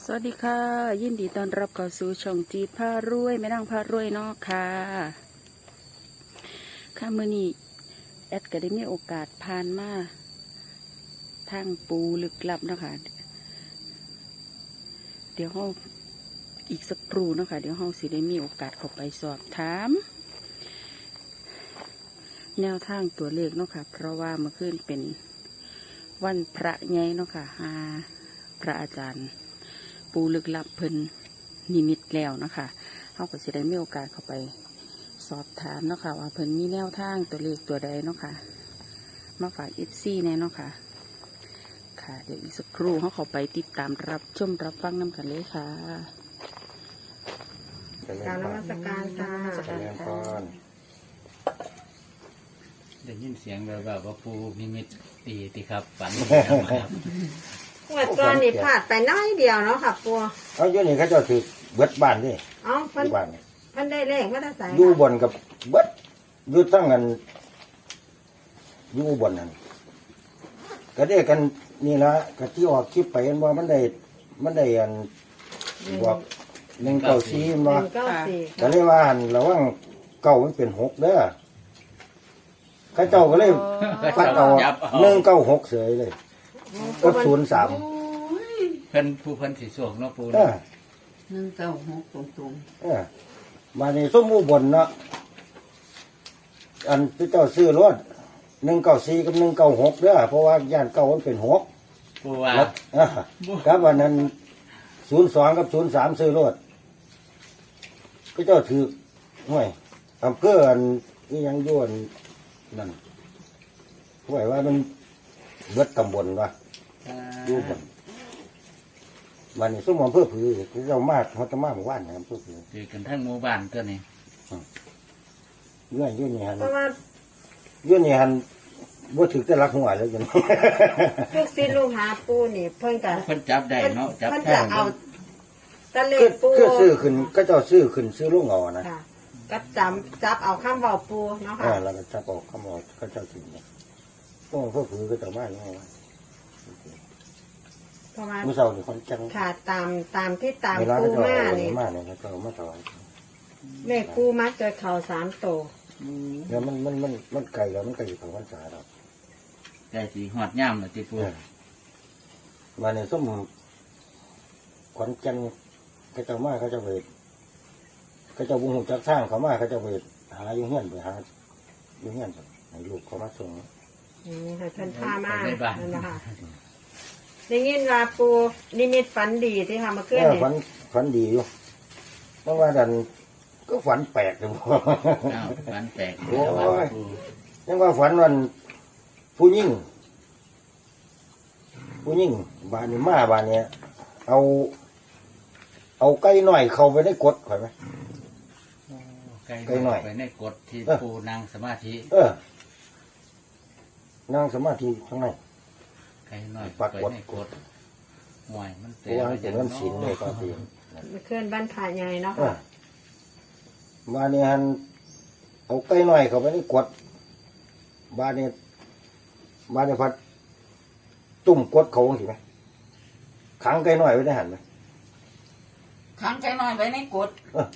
สวัสดีค่ะยินดีต้อนรับเข้าสู่ช่องจีพารวยแม่นางพารวยเนาะค่ะมื้อนี้แอดก็ได้มีโอกาสผ่านมาทางปูลึกลับเนาะค่ะเดี๋ยวเราอีกสักครู่เนาะค่ะเดี๋ยวเราสิได้มีโอกาสเข้าไปสอบถามแนวทางตัวเลขเนาะค่ะเพราะว่าเมื่อคืนเป็นวันพระใหญ่เนาะค่ะพระอาจารย์ปูลึกลับเพิ่นนิมิตแล้วนะคะเขาก็สิได้มีโอกาสเข้าไปสอบถามเนาะค่ะว่าเพิ่นมีแนวทางตัวเลขตัวใดเนาะค่ะมาฝากFCแน่เนาะค่ะค่ะเดี๋ยวอีกสักครู่เขาเข้าไปติดตามรับชมรับฟังน้ำกันเลยค่ะกรารนมัสการค่ะได้ยินเสียงแบบว่าปูนิมิตตีติครับฝันงวดก่อนนี่พลาดไปน้อยเดียวเนาะค่ะปัวเอาอยู่นี่เขาเจะถือเบิดบ้านนี่อ๋อเพิ่นที่บ้านนี่เพิ่นได้เลขมาได้ใส่อยู่บนกับเบิดอยู่ตั้งกันอยู่บนนั่นก็ได้กันนี่ละก็ที่ออกคลิปไปเห็นว่ามันได้อันบอก194มันว่า 194 ก็เลยว่าอันระวังเก่ามันเป็น6เด้อเขาเจ้าก็เลยปัดเอา196เสยเลยกับ03 เพิ่นผู้เพิ่นสีสวงเนาะปูเออ 196ตรงมาในส้มอุบลเนาะอันที่เจ้าซื้อรถ194กับ196เด้อเพราะว่าย่านเก่ามันเป็น6 ปูว่าแล้วครับวันนั้น02กับ03ซื้อรถก็เจ้าถือห่วยอำเภออันนี่ยังย้วนนั่นห่วยว่ามันเบิดตำบลวะอยู่บนวันนี้ส้มอำเภอผือเจ้ามาเขาจะมาหมู่บ้านนะครับอำเภอผือคือกันทั้งหมู่บ้านตัวนี้ยื่นนี่ฮันเพราะว่ายื่นนี่ฮันบ่ถือแต่รักหัวเลยจังลูกศิษย์ลูกหาปูนี่เพิ่นก็เพิ่นจับได้เนาะจับเพิ่นได้จะเอาตะเลคือขปูคือซื้อขึ้นก็เจ้าซื้อขึ้นซื้อลงเอานะค่ะก็จับเอาข้ามเบาปูเนาะค่ะแล้วก็จับออกคำออกก็เจ้าถือเนี่ยพวกผือก็เจ้ามาอย่างไงวะเพราะว่าเมื่อเช้านี่คนจังค่ะตามที่ตามเวลาปูก็เจ้ามาเอานี่มาเนี่ยก็เจ้ามาถวายเลขปูมาเจอเข่า3ตัวแล้วมันไกลแล้วมันไกลอยู่ของพรรษาเราได้สีหอดย่ำเลยติปูมาเนี่ยส้มขอนจันก็เจ้ามาเขาเจ้าไปเขาเจ้าบุญหูจักสร้างเขามาเขาเจ้าไปหาอยู่เฮียนไปหาอยู่เฮียนให้ลูกเขามาส่งให้เพิ่นพามานั่นนะคะได้ยินว่าปูนิมิตฝันดีที่ค่ะเมื่อคืนนี่ฝันดีอยู่เพราะว่าดันก็ฝันแปลกเลยอ้าวฝันแปลกโอ้ยแล้วว่าปูยังว่าฝันวันผู้ยิ่งบ้านนี้มาบ้านเนี้ยเอาไก่หน่อยเข้าไปในกดข่อยไหมใกล้ใกล้หน่อยไปในกฎที่ปูนางสมาธินั่งสมาธิข้างในใกล้หน่อยปรากไปฏในกฎห่วยมันเพราะว่ามันเป็นวันศีลเลยตอนที่เมื่อคืนบ้านผาใหญ่เนาะเอค่ะอบ้านนี้ฮันเอาไก่หน่อยเข้าไปในกดบ้านนี้พัดตุ่มกดเขาสิไหมขังไก่หน่อยไว้ได้หันไหมขังใจน้อยไว้ในกด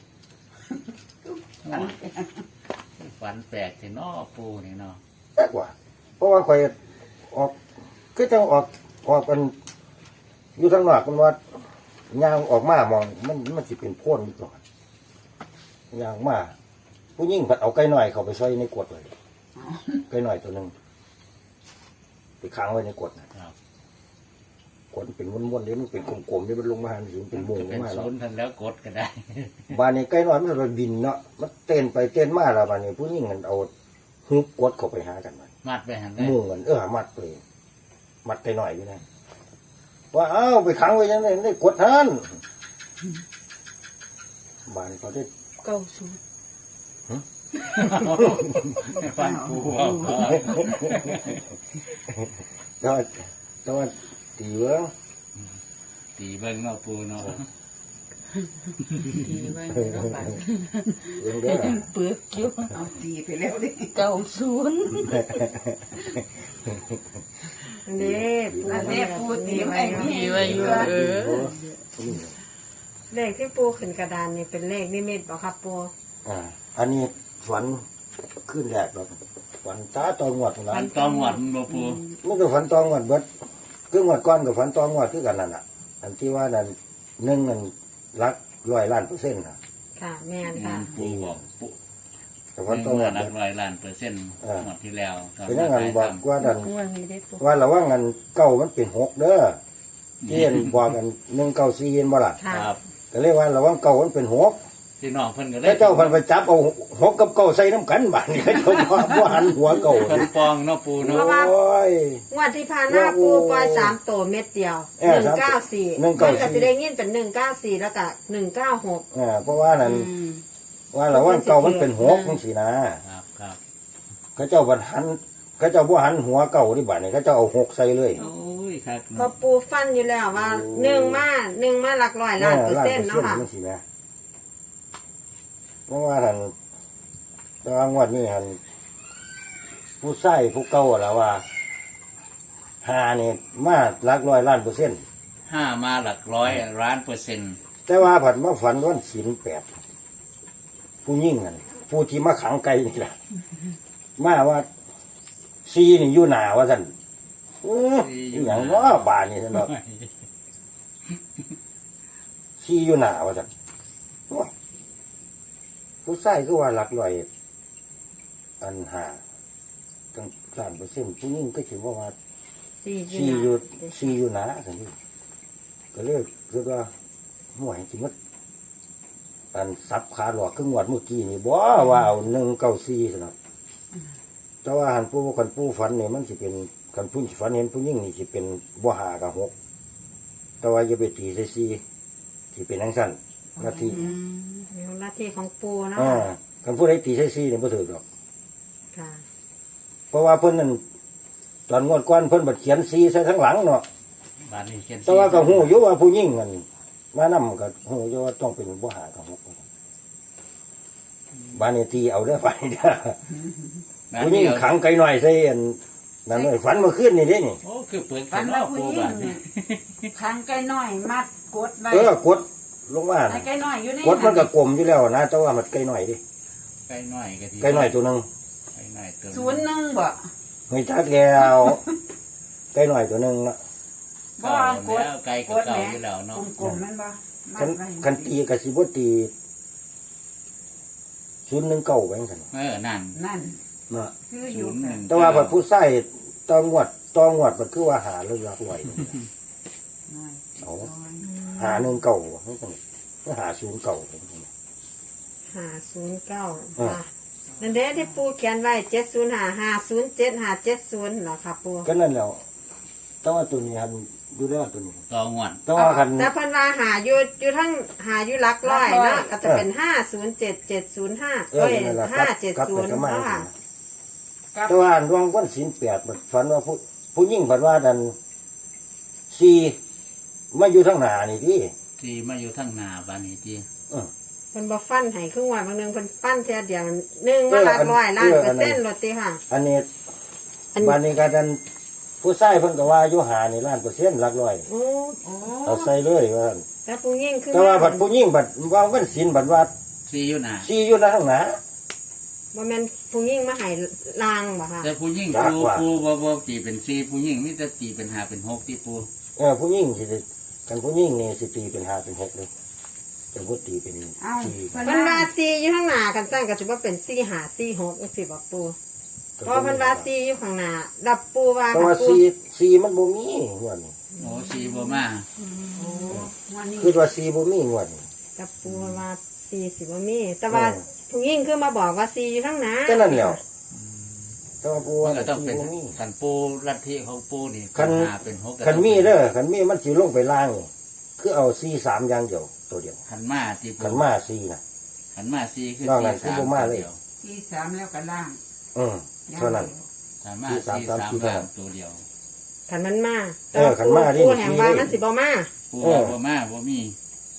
ฝันแปลกที่นอปูนี่เนาะแปลกว่าเพราะว่าข่อยออกคือจะออกกันอยู่ทางนอกมันว่ายางออกมามองมันสิเป็นโพ่นอยู่ก่อนยางมาผู้ยิ่งผัดเอาไก่หน่อยเข้าไปใส่ในกดเลยไก่หน่อยตัวหนึ่งไปค้างไว้ในกดนะครับ กดเป็นม้วนๆเดี๋ยวมันเป็นกลมๆเดี๋ยวมันลงมาหันถึงเป็นวงลเป็งนมาศูแล้วนย์ทันแล้วกดก็ได้บ้านนี้ไก่น้อยมันไปบินเนาะมันเต้นไปเต้นมาแล้วบ้านนี้ผู้หญิงมันเอาฮึบกดเข้าไปหากันมันมัดไปหันได้มุ่งกันมัดไปมัดไก่น้อยอยู่นะว่าเอ้าไปขังไว้ยังไงได้กดท่านบ้านเขาได้ฝันปูเอาแต่ว่าตีเว้อตีเบิ้งเนาะปูเนาะดีไว้ในระบาดเรื่องเด้อยังเปลือกอยู่เอาตีไปแล้วดิ 90 นี่ปูอันนี้ปูตีไว้ดีไว้อยู่เลขที่ปูขึ้นกระดานนี่เป็นเลขนิมิตบ่ครับปูอันนี้ฝันขึ้นแรกแบบฝันตาตองวดนะมันต้องหวัดมันบ่ปูมันก็ฝันตองวดเบิดคืองวดก้อนกับฝันตองวดคือกันนั่นน่ะ อันที่ว่านั่นหนึ่งนั่นรัก100,000,000%นะค่ะแม่นค่ะปูบอกปูแต่ฝันตองเมื่วอดนักเบิด 100,000,000%หมดที่แล้วตอนเป็นยังไงบอกว่านั่นวันนี้ได้ตัวว่าระว่างกันเก้ามันเป็น6เด้อที่เห็นบอกกัน194เห็นบ่ล่ะค่ะครับก็เลยว่าระว่างเก้ามันเป็น6 พี่น้องเพิ่นก็ได้แล้วเจ้าพันไปจับเอา6กับเก้าใส่น้ำกันบาดนี้เขาเจ้าบ่หันหัวเก้าเพิ่นปองเนาะปูเนาะโอ้ยงวดที่ผ่านมาปูปล่อย3ตัวเม็ดเดียว 194มันก็สิได้ยินเป็น194แล้วก็196 เพราะว่านั่นว่าระว่างเก้ามันเป็น6จังซี่นะครับครับเขาเจ้าบ่หันเขาเจ้าบ่หันหัวเก้าที่บาดนี้เขาเจ้าเอา6ใส่เลยโอ้ยครับเพราะปูฟันอยู่แล้วว่า1มาหลักร้อยล้านเปอร์เซ็นต์เนาะค่ะจังซี่นะเพราะว่าท่านตอนงวดนี้ท่านผู้ใส่ผู้เก่าล่ะว่าหานี่มาหลัก100,000,000% 5มาหลัก100,000,000% แต่ว่าผัดมาฝันวันศีล8ผู้ยิ่งนั่นผู้ที่มาขังไก่นี่แหละมาว่าซีนี่อยู่หนาว่าท่านอหย่างว่าบานนี่ท่านบอกซีอยู่หนาว่าท่านโอ้ยผู้ใส่ก็ว่าหลักร้อยอันหาตั้ง3%ผู้ยิ่งก็ถือว่าซีอยู่หนาท่านนี่ก็เลยคือว่าห่วยจิมัดอันซับขาหลอกขึ้นงวดเมื่อกี้นี่บ่ว่าเอา194ซะเนาะแต่ว่าหันผู้คันผู้ฝันนี่มันสิเป็นคันผู้ฝันเห็นผู้หญิงนี่สิเป็นบ่หากับ6แต่ว่าอย่าไปตีใส่4สิเป็นจังซั่นหน้าที่หน้าที่ของปูเนาะคันผู้ใดตีใส่4นี่บ่ถูกดอกค่ะเพราะว่าเพิ่นนั่นตอนงวดก่อนเพิ่นบัดเขียน4ใส่ข้างหลังเนาะบาดนี้เขียนแต่ว่าก็ฮู้อยู่ว่าผู้หญิงนั่นมานำก็ฮู้อยู่ว่าต้องเป็นบ่หากับ6บ้านนี้ตีเอาเด้อไปเด้อ ผู้หญิงขังไก่หน่อยใส่อันนั่นเลยฝันเมื่อคืนนี่เด้นี่โอ้คือเปิดฝันเนาะว่าผู้ปูหญิบาง ดนี้เนี่ยขังไก่น้อยมัดกดไว้กดลงมาไอ้ไก่น้อยอยู่ในกดมันก็กลมอยู่แล้วนะแต่ว่ามันไก่หน่อยดิไก่น้อยก็ที่ไก่หน่อยตัวหนึงไก่น้อยตัว 01บ่ไม่จักแล้วไก่หน่อยตัวหนึงนะบ่ก็กดแล้วไก่ก็เก่าอยู่แล้วเนาะกลมๆแม่นบ่มัคัดนไว้คันตีกับสิบ่ตี019ไปจังซั่นนั่นนั่นเนาะคืออยู่ 01 ค่ะแต่ว่าบัดผู้ใส่ตองวดมันคือว่าหาเรื่องรักไว้น้อยเอาน้อยหา1เก่าจังซั่นหา0เก่า 509ค่ะนั่นเด้ที่ปูเขียนไว้705507570เหรอค่ะปูก็นั่นแล้วแต่ว่าตัวนี้หันดูได้ตัวนี้ต่องวดแต่ว่าคันแต่เพิ่นว่าหาอยู่ทั้งหาอยู่หลักร้อยเนาะก็จะเป็น507705เอ้ยนั่นล่ะกลับไปก็มา 570เนาะค่ะกับแต่ว่าดวงวันศีล8มันฝันว่าผู้หญิงฝันว่าดันซีมาอยู่ทางหน้านี่ที่ที่มาอยู่ทั้งหน้าบาดนี้ที่เพิ่นบ่ฟันให้ครึ่งวันบางนึงเพิ่นปั้นเท่ยเดียว1มาหลักร้อยล้านเปอร์เซ็นต์โลดติค่ะอันนี้อันบ้านนี้ก็ดันผู้ชายเพิ่นก็ว่าอยู่หานี่1,000,000%หลักร้อยโอ้โอ้เอาใส่เลยว่าซั่นแต่ผู้หญิงคือแต่ว่าบัดผู้หญิงบัดว่าวันศีลบัดว่าที่อยู่หน้าซีอยู่ทางหน้าบ่แม่นผู้หญิงมาให้ลางบ่ค่ะแต่ผู้หญิงยากกว่าปูบ่ตีเป็น4ผู้หญิงมีแต่ตีเป็น5เป็น6ที่ปูผู้หญิงสิได้กันผู้หญิงนี่สิตีเป็น5เป็น6เลยจะบ่ตีเป็นเอ้า 4 เพิ่นเพิ่นว่าว่าซีอยู่ข้างหน้ากันซั่นก็สิบ่เป็น4 5 4 6จังซี่บ่ปูเพราะเพิ่นว่าซีอยู่ข้างหน้าดับปูว่าแต่ว่าปูซีมันบ่มีงวดนี้โอ้4บ่มาโอ้วันนี้คือว่าซีบ่มีงวดนี้ดับปูว่าซีสิบ่มีแต่ว่าผู้หญิงคือมาบอกว่าซีอยู่ข้างหน้าก็นั่นแหล้วแต่ว่าผู้มัว่านก็ต้องเป็นซีบ่มีคันปูลัทธิของปูนี่คัน 5เป็น6ก็คันมีเด้อคันมีมันสิลงไปล่างนี่คือเอา3อย่างเดียวตัวเดียวคันมาที่ปูคันมา4น่ะขันมาซีคือนอกนั้นซีคือบ่มาเลยตัวดีวที่3แล้วก็ล่างเท่านั้นขันมาที่ซีสามสามที่ล่าเท่างตัวเดียวคันมันมาคันมาดิปูแห่งว่ามันสิบ่มาปูว่าบ่มาบ่มี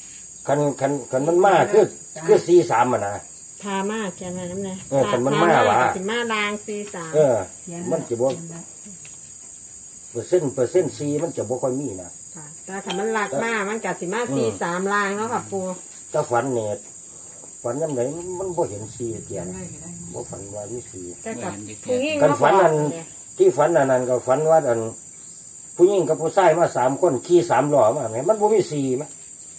คันมันมาคือ43อ่ะนะพามาเขียนไว้น้ำเนี่ยคันมันมาว่ะสิมาลาง43 มันจะบ่เปอร์เซ็นต์4มันจะบ่ค่อยมีนะค่ะแต่ถ้ามันหลักมากมันกัสิมา43ลางเนาะค่ะปูถ้าฝันเนี่ยฝันยามไหนมันบ่เห็น4เกียยันงไงก็ได้บ่ฝันว่ามี4 แต่กับผู้หญิงกันฝันอันเนี่ยที่ฝันอันนั้นก็ฝันว่าอันผู้หญิงกับผู้ชายมา3คนขี่3ล้อมาแหมมันบ่มี4มั้ย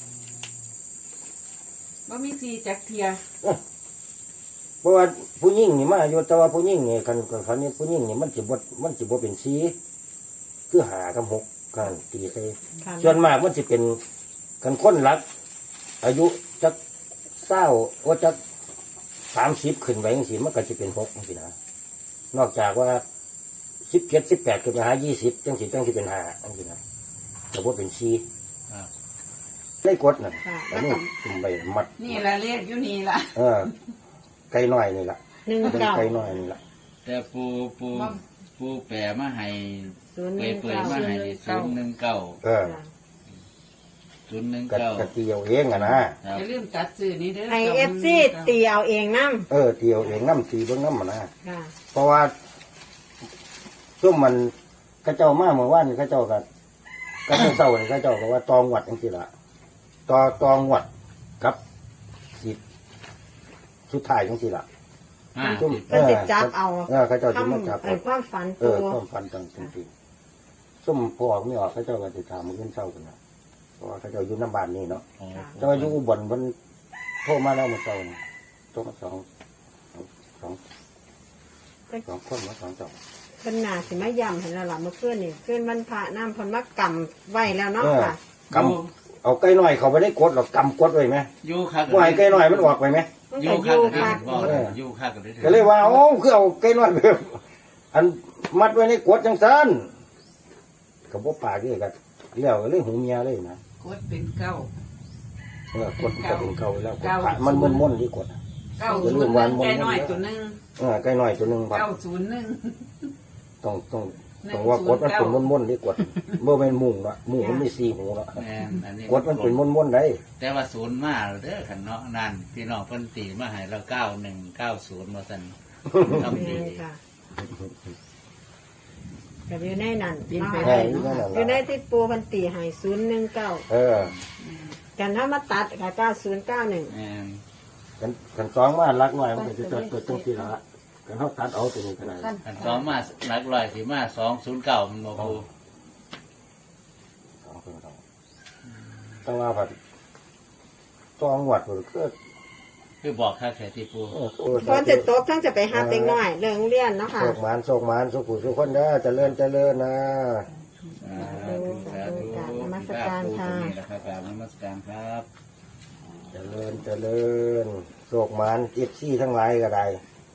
บ่มีสีจักเทียเพราะว่าผู้หญิงนี่มาอยู่แต่ว่าผู้หญิงนี่คันฝันนี่ผู้หญิงนี่มันสิบ่เป็น4คือ5กับ6กันตีใส่ค่ะส่วนมากมันสิเป็นกันคนรัก อายุจัก20ว่าจัก30ขึ้นไปจังซี่มันก็สิเป็น6จังซี่นะนอกจากว่า17 18ขึ้นไปหา20จังสิเป็น5จังซี่นะแต่ว่าเป็น4 ครับได้กดน่ะค่ะอันแล้วนี้กับจุ่มใบมัดนี่ละเลขอยู่นี่ละไก่น้อยนี่ล่ะ เป็น 19 ไก่น้อยนี่ล่ะแต่ปูแปรมาให้เปิดมาให้ 019 019 เออ กะเตียวเองอะนะครับอย่าลืมตัดซื้อนี่เด้อให้ FC ตีเอาเองนำเตียวเองน้ำตีเบิ่งน้ำอะนะค่ะเพราะว่าช่วงมันกระเจ้ามาเมื่อวานนี่กระเจ้าก็เศร้านี่กระเจ้าก็ว่าตองวัดจังซี่ล่ะตองวัดกับสิสุดท้ายจังซี่ล่ะจุ่มเพิ่นสิจับเอากระเจ้าสิมาจับไอ้ความฝันปูความฝันต่างจริงๆซุ่มพอออกไม่ออกกระเจ้าก็สิถามมื้อเช้ากันนะเพราะว่ากระเจ้าอยู่น้ำบ้านนี่เนาะ แต่ว่าอยู่อุบลมันโทรมาแล้วมาเจ้านี่โทรมาสองคนมา2 เจ้าเพิ่นน่าสิมาย้ำให้แล้วล่ะเมื่อคืนนี่คืนมันพระน้ำเพิ่นมากำไว้แล้วเนาะค่ะกำเอาไก่น้อยเขาไปได้กดหรอกกำกดไว้ไหมอยู่คักว่าให้ไก่น้อยมันออกไปไหมมันอก็ยู่อคักยู่ก็ได้ค่ะบอกอยู่คักก็ได้ก็เลยว่าโอ้คือเอาไก่น้อยไปอันมัดไว้ในกดจังซันกับพวกปากนี่กันเลี้ยวเลยหูเมียเลยนะกดเป็นเก้ากดก็เป็นเก่าแล้วมันม่นๆที่กดเก้าศูนย์หนึ่งใจน้อยตัวหนึงไก่น้อยตัวหนึ่งครับ 901 ต้องว่ากดมันเป็นม่นๆที่กดเมื่อเป็นมุงละมุงมันมี4หูละแม่นอันนี้กดมันเป็นม่นๆได้แต่ว่าศูนย์มาแล้วเด้อขันเนาะนั่นพี่น้องเพิ่นตีมาให้เรา9190มาสั่นทำดีค่ะก็อยู่ในนั้นบินไปเนาะได้ค่ะเนาะอยู่ในที่ปูเพิ่นตีให้019 กันถ้ามาตัดกับ9091 แม่นกันสองมารักหน่อยมันจะเกิดตรงที่ละกันเขาตัดเอาตัวนี้ก็ได้ขันสองมาหลักร้อยสิมา209มันบ่ปูแต่ว่าผัดตองหวัดมันก็คือบอกคักแค่ที่ปูตอนจะตกทั้งจะไปหาเต็งน้อยเรื่องเรียนเนาะค่ะโศกหมานสุขุสุขคนเด้อเจริญนะนมัสการค่ะนะครับกราบนมัสการครับเจริญโศกหมานเอฟซีทั้งหลายก็ได้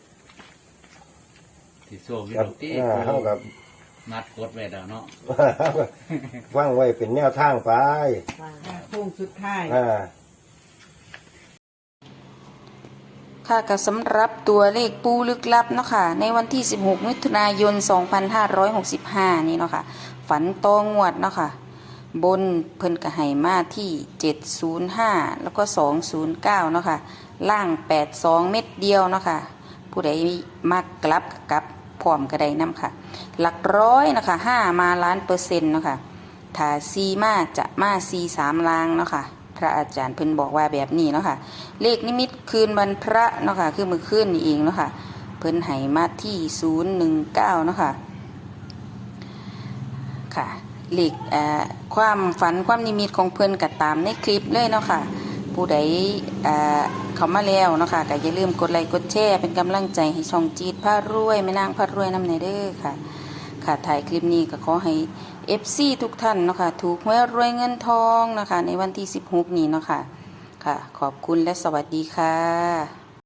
ที่โซ่วิกับโรตีเท่ากับมัดกดไว้แล้วเนาะฟังไว้เป็นแนวทางไปโค้งสุดท้ายค่ะก็สำหรับตัวเลขปูลึกลับเนาะค่ะในวันที่16มิถุนายน2565นี่เนาะค่ะฝันตองวดเนาะค่ะบนเพิ่นก็ให้มาที่705แล้วก็209เนาะค่ะล่าง82เม็ดเดียวเนาะค่ะผู้ใดมักกลับกับพร้อมก็ได้นำค่ะหลักร้อยนะคะ5มาล้านเปอร์เซ็นต์เนาะค่ะถ้า4มาจะมา43ล้างเนาะค่ะพระอาจารย์เพิ่นบอกว่าแบบนี้เนาะค่ะเลขนิมิตคืนวันพระเนาะค่ะคือมื้อคืนนี่เองเนาะค่ะเพิ่นให้มาที่019เนาะค่ะค่ะเลขความฝันความนิมิตของเพิ่นก็ตามในคลิปเลยเนาะค่ะผู้ใดเข้ามาแล้วเนาะค่ะก็อย่าลืมกดไลค์กดแชร์เป็นกำลังใจให้ช่องจีดพารวยแม่นางพารวยนำในเด้อค่ะค่ะถ่ายคลิปนี้ก็ขอให้ FC ทุกท่านเนาะค่ะถูกหวยรวยเงินทองนะคะในวันที่16นี้เนาะค่ะค่ะขอบคุณและสวัสดีค่ะ